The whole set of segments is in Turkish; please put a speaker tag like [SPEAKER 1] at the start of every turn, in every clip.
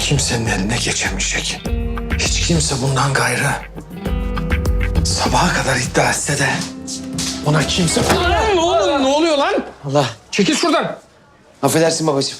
[SPEAKER 1] kimsenin eline geçemeyecek. Hiç kimse bundan gayrı sabaha kadar iddia etse de ona kimse... Lan oğlum, ne oluyor lan?
[SPEAKER 2] Allah.
[SPEAKER 1] Çekil şuradan.
[SPEAKER 2] Affedersin babacığım.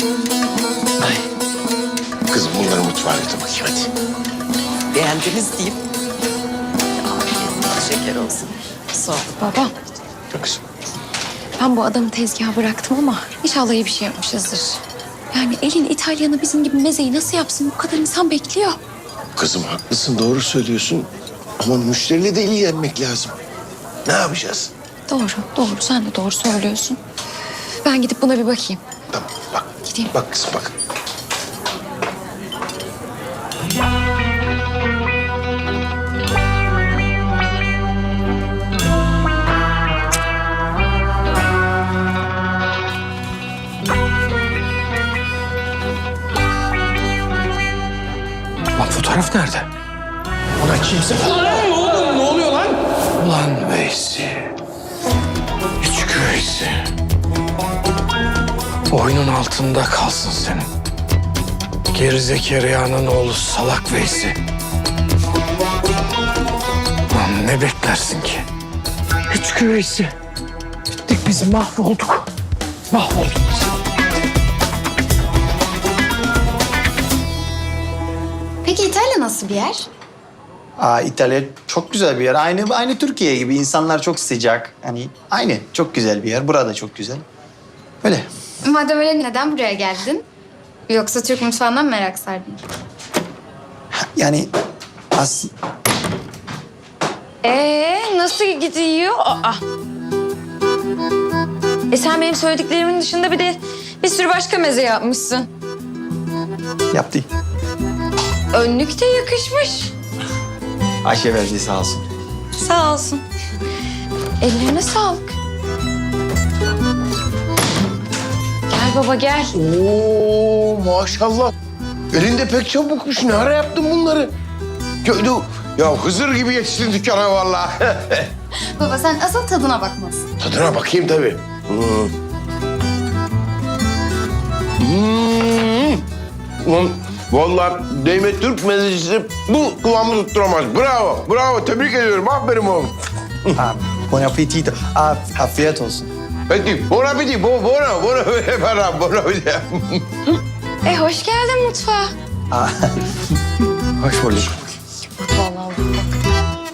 [SPEAKER 3] Kızım bunları mutfağa götür bakayım hadi.
[SPEAKER 4] Beğendiniz diyeyim. Afiyet şeker olsun. Sağ ol.
[SPEAKER 5] Baba,
[SPEAKER 3] Yok kızım.
[SPEAKER 5] ben bu adamı tezgaha bıraktım ama inşallah iyi bir şey yapmışızdır. Yani elin İtalyanı bizim gibi mezeyi nasıl yapsın? Bu kadar insan bekliyor.
[SPEAKER 3] Kızım haklısın, doğru söylüyorsun. Ama müşteriyle de ilgilenmek lazım. Ne yapacağız?
[SPEAKER 5] Doğru, doğru. Sen de doğru söylüyorsun. Ben gidip buna bir bakayım.
[SPEAKER 3] Tamam bak.
[SPEAKER 5] Gideyim.
[SPEAKER 3] Bak kızım bak.
[SPEAKER 1] Bak fotoğraf nerede? Ona kimse... Lan oğlum, ne oluyor lan? Ulan Veysi. Küçük Veysi. Boynun altında kalsın senin. Gerizekalı'nın oğlu salak Veysi. Lan ne beklersin ki? Küçük Veysi. Bittik biz, mahvolduk. Mahvolduk biz.
[SPEAKER 6] Peki İtalya nasıl bir yer?
[SPEAKER 2] İtalya çok güzel bir yer. Aynı Türkiye gibi. İnsanlar çok sıcak. Hani aynı. Çok güzel bir yer. Burada çok güzel. Öyle.
[SPEAKER 6] Madem öyle neden buraya geldin? Yoksa Türk mutfağından mı merak sardın?
[SPEAKER 2] Yani
[SPEAKER 7] Nasıl gidiyor? Sen benim söylediklerimin dışında bir sürü başka meze yapmışsın.
[SPEAKER 2] yaptı.
[SPEAKER 7] Önlük de yakışmış.
[SPEAKER 2] Ayşe verdi sağ olsun.
[SPEAKER 7] Sağ olsun. Ellerine sağlık. Gel baba gel.
[SPEAKER 3] Oo maşallah. Elinde pek çabukmuş. Ne ara yaptın bunları? Ya Hızır gibi yetiştin dükkana vallahi.
[SPEAKER 6] Baba sen asıl tadına bakmalısın.
[SPEAKER 3] Tadına bakayım tabii. Ulan vallahi Demet Türk mezecisi bu kıvamı tutturamaz. Bravo, bravo. Tebrik ediyorum. Aferin oğlum.
[SPEAKER 2] Buon appetito. Afiyet olsun.
[SPEAKER 3] Peki, buon appetito. Buon appetito.
[SPEAKER 7] Hoş geldin mutfağa.
[SPEAKER 2] Hoş bulduk.
[SPEAKER 7] Vallahi bak.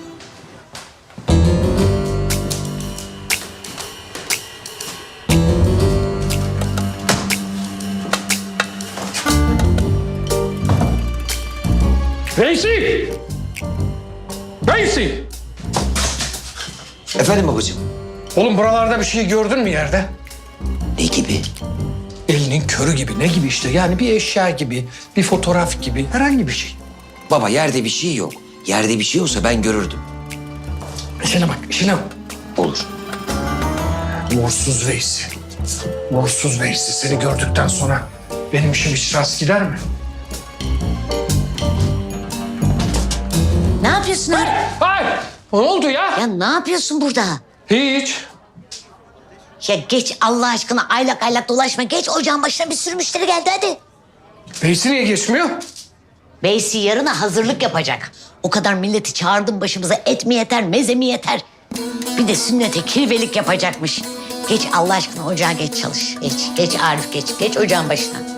[SPEAKER 1] Veysi! Veysi!
[SPEAKER 2] Efendim babacığım.
[SPEAKER 1] Oğlum buralarda bir şey gördün mü yerde?
[SPEAKER 2] Ne gibi?
[SPEAKER 1] Elinin körü gibi, ne gibi işte? Yani bir eşya gibi, bir fotoğraf gibi, herhangi bir şey.
[SPEAKER 8] Baba yerde bir şey yok. Yerde bir şey olsa ben görürdüm.
[SPEAKER 1] İşine bak, işine bak.
[SPEAKER 8] Olur.
[SPEAKER 1] Morsuz Veysi. Morsuz Veysi. Seni gördükten sonra benim işim hiç rast gider mi?
[SPEAKER 4] Ne yapıyorsun abi?
[SPEAKER 1] Ay! Ne oldu ya?
[SPEAKER 4] Ya ne yapıyorsun burada?
[SPEAKER 1] Hiç.
[SPEAKER 4] Ya geç Allah aşkına aylak aylak dolaşma. Geç ocağın başına bir sürü müşteri geldi hadi.
[SPEAKER 1] Veysi niye geçmiyor?
[SPEAKER 4] Beysi yarına hazırlık yapacak. O kadar milleti çağırdım başımıza, et mi yeter, meze mi yeter? Bir de sünnete kirvelik yapacakmış. Geç Allah aşkına ocağa geç çalış. Geç Arif geç ocağın başına.